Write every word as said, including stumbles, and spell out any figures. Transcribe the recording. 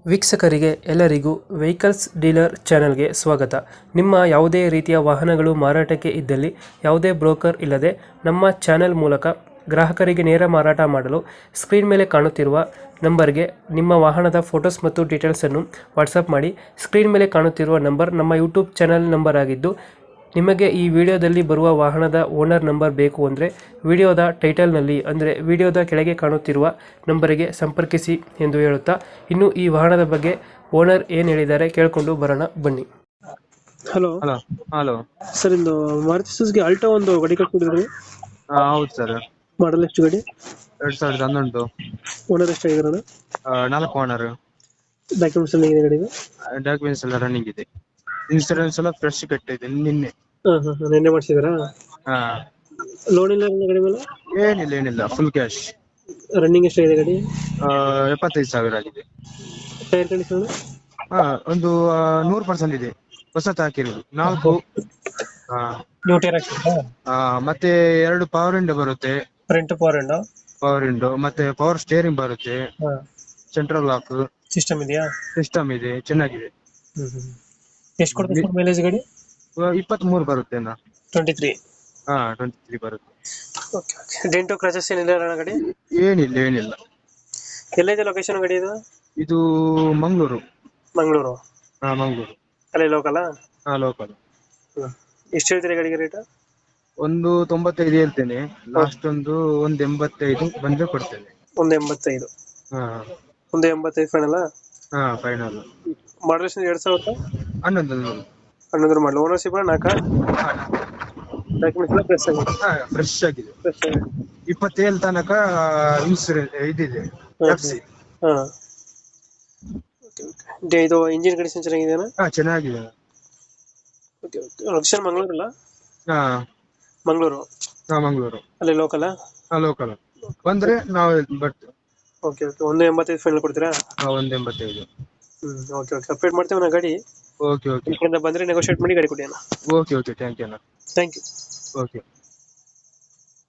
ವೀಕ್ಷಕರಿಗೆ ಎಲ್ಲರಿಗೂ vehicles dealer ಚಾನೆಲ್ಗೆ ಸ್ವಾಗತ. ನಿಮ್ಮ ಯಾವುದೇ ರೀತಿಯ ವಾಹನಗಳು ಮಾರಾಟಕ್ಕೆ ಇದ್ದಲ್ಲಿ ಯಾವುದೇ ಬ್ರೋಕರ್ ಇಲ್ಲದೆ ನಮ್ಮ ಚಾನೆಲ್ ಮೂಲಕ ಗ್ರಾಹಕರಿಗೆ ನೇರ ಮಾರಾಟ ಮಾಡಲು ಸ್ಕ್ರೀನ್ ಮೇಲೆ ಕಾಣುತ್ತಿರುವ ನಂಬರ್ಗೆ ನಿಮ್ಮ ವಾಹನದ ಫೋಟೋಸ್ ಮತ್ತು ಡೀಟೇಲ್ಸನ್ನು ವಾಟ್ಸಪ್ ಮಾಡಿ. ಸ್ಕ್ರೀನ್ ಮೇಲೆ ಕಾಣುತ್ತಿರುವ ನಂಬರ್ ನಮ್ಮ ಯೂಟ್ಯೂಬ್ ಚಾನೆಲ್ ನಂಬರ್ ಆಗಿದ್ದು, ನಿಮಗೆ ಈ ವಿಡಿಯೋದಲ್ಲಿ ಬರುವ ವಾಹನದ ಓನರ್ ನಂಬರ್ ಬೇಕು ಅಂದರೆ ವಿಡಿಯೋದ ಟೈಟಲ್ನಲ್ಲಿ ಅಂದರೆ ವಿಡಿಯೋದ ಕೆಳಗೆ ಕಾಣುತ್ತಿರುವ ನಂಬರಿಗೆ ಸಂಪರ್ಕಿಸಿ ಎಂದು ಹೇಳುತ್ತಾ, ಇನ್ನು ಈ ವಾಹನದ ಬಗ್ಗೆ ಓನರ್ ಏನು ಹೇಳಿದ್ದಾರೆ ಕೇಳಿಕೊಂಡು ಬರೋಣ ಬನ್ನಿ. ಹಲೋ ಹಲೋ ಹಲೋ ಸರ್, ಇಂದು ಮಾರುತಿ ಸುಜುಕಿ ಆಲ್ಟೋ ಒಂದು ಗಾಡಿ ಕಳ್ಕೊಂಡಿದ್ರಿ, ಹಾ ಹೌದು ಸರ್. ಮಾಡಲ್ ಎಷ್ಟು ಗಾಡಿ? ಎರಡ್ ಸಾವಿರದ ಹನ್ನೊಂದು. ಓನರ್ ಎಷ್ಟಾಗಿರೋಣ? ಆ, ನಾಲ್ಕು ಓನರ್. ಡಾಕ್ಯುಮೆಂಟ್ಸ್ ಎಲ್ಲ ಇದೆ ಗಾಡಿಗೆ? ಡಾಕ್ಯುಮೆಂಟ್ಸ್ ಎಲ್ಲ ರನ್ನಿಂಗ್ ಇದೆ. ಇನ್ಸೂರೆನ್ಸ್ ಎಲ್ಲ ಫ್ರೆಶ್ ಕಟ್ಟಿದೆ ನಿನ್ನೆ. ಹಾಂ ಹಾಂ ಹಾಂ ನಿನ್ನೆ ಮಾಡಿಸಿದ್ರಾ? ಹಾ ಲೋನ್ ಇಲ್ಲ ನಿಮ್ಮ ಗಾಡಿ ಮೇಲೆ? ಏನಿಲ್ಲ ಏನಿಲ್ಲ ಫುಲ್ ಕ್ಯಾಶ್. ರನ್ನಿಂಗ್ ಎಷ್ಟಾಗಿದೆ ಗಾಡಿ? ಎಪ್ಪತ್ತೈದು ಸಾವಿರ ಆಗಿದೆ. Tyre condition? ಹಾ ಒಂದು ಆ, ನೂರು ಪರ್ಸೆಂಟ್ ಇದೆ. ಹೊಸತ್ ಹಾಕಿರೋದು ನಾಲ್ಕು. ಹಾ ನ್ಯೂ ಟೈರ್ ಹಾಕ್ಸಿದ್ರಾ? ಆ, ಮತ್ತೆ ಎರಡು ಪವರ್ ವಿಂಡೋ ಬರುತ್ತೆ. Front power end? Power window ಮತ್ತೆ ಪವರ್ ಸ್ಟೇರಿಂಗ್ ಬರುತ್ತೆ. ಹಾಂ. ಸೆಂಟ್ರಲ್ ಲಾಕ್ ಸಿಸ್ಟಮ್ ಇದೆಯಾ? ಸಿಸ್ಟಮ್ ಇದೆ, ಚೆನ್ನಾಗಿದೆ. ಹ್ಮ್ ಹ್ಮ್. ಎಷ್ಟು ಕೊಡ್ತದೆ ಸರ್ ಮೈಲೇಜ್ ಗಾಡಿ? ಇಪ್ಪತ್ತ್ ಮೂರು ಬರುತ್ತೆ ನಾ. Twenty three. ಹಾ ಟ್ವೆಂಟಿ ತ್ರೀ ಬರುತ್ತೆ. Okay okay. ಡೆಂಟು ಕ್ರಚಸ್ ಏನಿಲ್ಲ ಅಣ್ಣ ಗಾಡಿ? ಏನಿಲ್ಲ ಏನಿಲ್ಲ. ಎಲ್ಲೈತೆ ಲೊಕೇಶನ್ ಗಾಡಿ ಇದು? ಇದು ಮಂಗಳೂರು. ಮಂಗಳೂರು? ಹಾ ಮಂಗಳೂರು. ಅಲ್ಲೇ ಲೋಕಲಾ? ಹಾ ಲೋಕಲ್. ಹ್ಮ್. ಎಷ್ಟು ಹೇಳ್ತೀರಿ ಗಾಡಿಗೆ ರೇಟ್? ಒಂದು ತೊಂಬತ್ತೈದು ಹೇಳ್ತೇನೆ, ಲಾಸ್ಟ್ ಒಂದು ಒಂದು ಎಂಬತ್ತೈದು ಬಂದ್ರೆ ಕೊಡ್ತೇನೆ. ಒಂದು ಎಂಬತ್ತೈದು? ಹಾ ಒಂದು ಎಂಬತ್ತೈದು ಫೈನಲ್ಲ? ಹಾ ಫೈನಲ್. ಮಾಡಲ್ ಎರಡು ಸಾವಿರದ ಹನ್ನೊಂದು ಹನ್ನೊಂದು. ಹನ್ನೊಂದರ ಮಾಡಲ್. ಓನರ್ಶಿಪ್ ನಾಲ್ಕ? ಡಾಕ್ಯುಮೆಂಟ್ಸ್ ಎಲ್ಲ ಫ್ರೆಶ್ ಆಗಿದೆ? ಹಾ ಫ್ರೆಶ್ ಆಗಿದೆ. ಫ್ರೆಶ್ ಆಗಿದೆ. ಇಪ್ಪತ್ತೇಳು ತನಕ ಇನ್ಸೂರೆನ್ಸ್ ಇದಿದೆ, ಎಫ್ ಸಿ. ಹಾಂ. Okay okay. ಇದು ಇಂಜಿನ್ ಕಂಡೀಷನ್ ಚೆನ್ನಾಗಿದೆಯಾ? ಹಾ ಚೆನ್ನಾಗಿದೆ. Okay okay. ಲೊಕೇಶನ್ ಮಂಗಳೂರಲ್ಲ? ಹಾ ಮಂಗಳೂರು? ಹಾ ಮಂಗಳೂರು. ಅಲ್ಲೇ ಲೋಕಲಾ? ಹಾ ಲೋಕಲ್. ಬಂದ್ರೆ ನಾವು ಬರ್ತೀವಿ. Okay okay. ಒಂದು ಎಂಬತ್ತೈದು ಫೈನಲ್ ಕೊಡ್ತೀರಾ? ಹಾ ಒಂದು ಎಂಬತ್ತೈದು. ಹ್ಮ್ ಓಕೆ ಓಕೆ. ಅಪ್ಡೇಟ್ ಮಾಡ್ತೇವೆ ನಾ ಗಾಡಿ. ಓಕೆ ಓಕೆ ಈ ಕಡೆಯಿಂದ ಬಂದರೆ ನೆಗೋಷಿಯೇಟ್ ಮಾಡಿ ಗಾಡಿ ಕೊಡಿ ಅಣ್ಣ. ಓಕೆ ಓಕೆ ಥ್ಯಾಂಕ್ ಯು ಅಣ್ಣ. Thank you. ಓಕೆ.